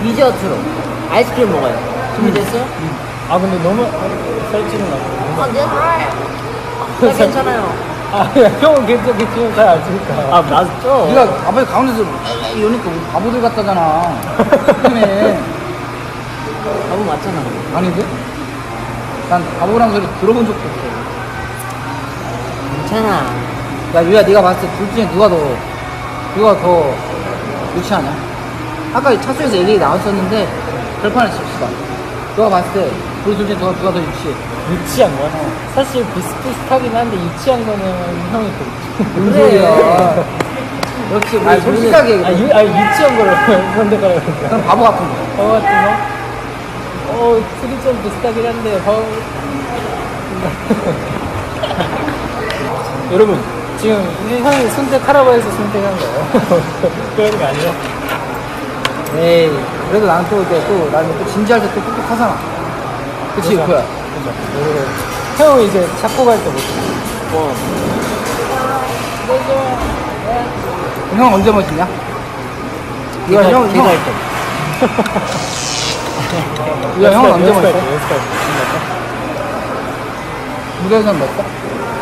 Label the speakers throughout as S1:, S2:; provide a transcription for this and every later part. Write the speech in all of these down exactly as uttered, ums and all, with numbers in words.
S1: 디저트로 아이스크림 먹어요. 준비됐어요?
S2: 음. 음. 아 근데 너무 살찌는 거 같아.
S1: 아, 괜찮아요. 나 괜찮아요.
S2: 아, 야, 형은 괜찮, 괜찮으면 잘 아시니까.
S1: 아, 맞죠?
S3: 네가 아버지 가운데서 에이 이러니까 우리 바보들 같다잖아. 그러네.
S1: 바보 맞잖아.
S3: 아닌데? 난 바보란 소리 들어본 적도 없어.
S1: 괜찮아.
S3: 야 유야 네가 봤을 때 둘 중에 누가 더 누가 더 유치하냐? 아까 차수에서 얘기 나왔었는데 결판을 칩시다. 너가 봤을 때 우리 둘 중에 누가, 누가 더 유치해?
S2: 유치한 거야? 사실 비슷비슷하긴 한데 유치한 거는 형이 더 유치해.
S3: 뭔 소리야. 역시 우리 솔직하게
S2: 아,
S3: 얘기해.
S2: 유, 아 유치한 거를 선택하라고 그러니까.
S3: 그럼 바보 같은 거.
S2: 어 같은 거? 어 둘이 좀 비슷하긴 한데 어... 여러분 지금 형이 선택하라고 해서 선택한 거예요. 그런 거 아니야?
S3: 에이 그래도 나는 또 이제 또 나는 또 진지할 때 또 똑똑하잖아. 그치
S2: 그죠?
S3: 유코야?
S2: 그죠. 형은 이제 잡고 갈 때 못해.
S1: 뭐.
S3: 형 언제 멋있냐? 이거
S1: 제가-
S3: 형,
S1: 제가
S3: 형,
S1: 할 때.
S3: 이거 형은 언제 멋있어?
S2: 연습할 때.
S3: 무대에서는 몇 살?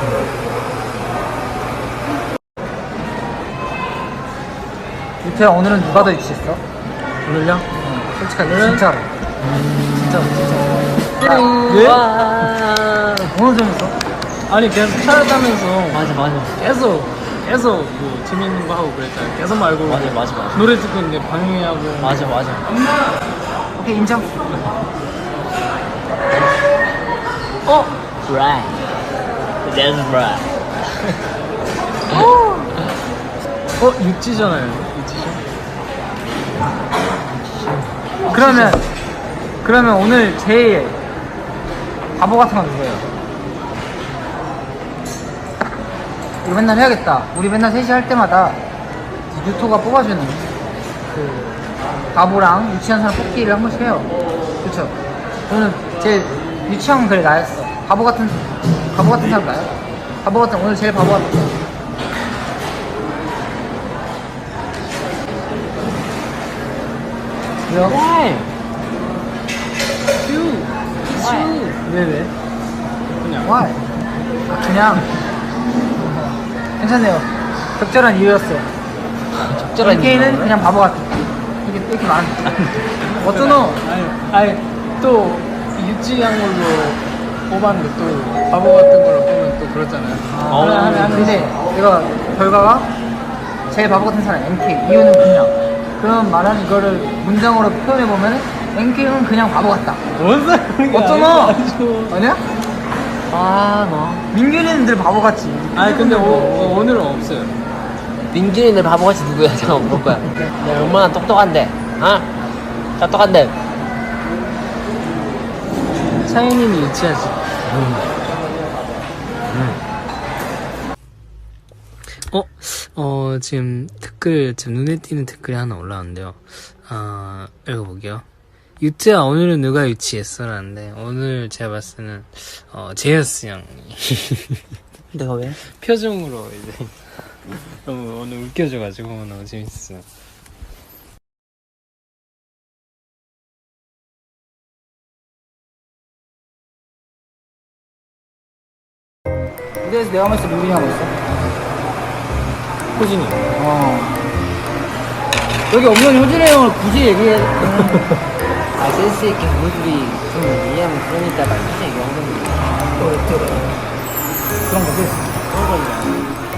S3: 유태야 오늘은 누가 더 유치했어?
S2: 오늘요?
S3: 솔직하게
S2: 오늘은?
S3: 진짜로 진짜로 진짜로
S2: 왜?
S1: 와.
S3: 오늘 재밌어?
S2: 아니 그냥 찾아다면서
S1: 맞아, 맞아.
S2: 계속 계속 뭐 재밌는 거 하고 그랬잖아요. 계속 말고
S1: 맞아, 맞아, 맞아.
S2: 노래 듣고 있는데 방해하고
S1: 맞아, 맞아.
S3: 오케이 인정.
S1: 어? Right. That's right.
S2: 어? 육지잖아요. 육지죠?
S3: 그러면 그러면 오늘 제일 바보 같은 건 누구예요? 이거 맨날 해야겠다. 우리 맨날 셋이 할 때마다 유토가 뽑아주는 그 바보랑 유치한 사람 뽑기를 한 번씩 해요. 그쵸? 오늘 제일 유치한 글 나였어. 바보 같은 바보 같은 사람 나요? 바보 같은 오늘 제일 바보 같은 사람. 왜요?
S1: Why?
S3: 왜 왜?
S2: 그냥
S3: Why? 아, 그냥 괜찮네요. 적절한 이유였어요.
S1: 적절한
S3: 엔케이는
S1: 이유는?
S3: 그냥 바보 같아. 이게 이렇게 많아. 어쩌노?
S2: 아니, 아니 또 유치한 걸로 뽑았는데 또 바보 같은 걸로 뽑으면 또 그렇잖아요.
S1: 어,
S3: 아, 그래, 그래. 근데 이거 결과가 제일 바보 같은 사람 엔케이. 이유는 그냥. 그럼 말하는 이거를 문장으로 표현해 보면 엔케이는 그냥 바보 같다.
S2: 뭔 소리야?
S3: 어쩌노?
S2: 아주.
S3: 아니야?
S1: 아, 뭐.
S3: 민규는 늘 바보 같지.
S2: 아니 근데 오, 어, 오늘은 없어요.
S1: 민준이들 바보같이 누구야? 잠깐 볼 거야. 내가 얼마나 똑똑한데, 어? 똑똑한데.
S2: 차이님이 유치하지. 어, 어, 지금 댓글, 지금 눈에 띄는 댓글이 하나 올라왔는데요. 아, 읽어볼게요. 유트야, 오늘은 누가 유치했어? 라는데, 오늘 제가 봤을 때는, 어, 제이어스 형이.
S1: 내가 왜?
S2: 표정으로 이제, 너무 오늘 웃겨줘가지고 너무 재밌었어요.
S3: 무대에서 내가 봤을 때 민규이 하고 있어.
S2: 호진이.
S3: 어. 여기 없는 효진이 형을 굳이 얘기해.
S1: 아, 센스있게 우리들이 좀 이해하면 그러니까 막 이렇게 얘기한 건데.
S3: 그런 거지.
S1: 그런 거냐.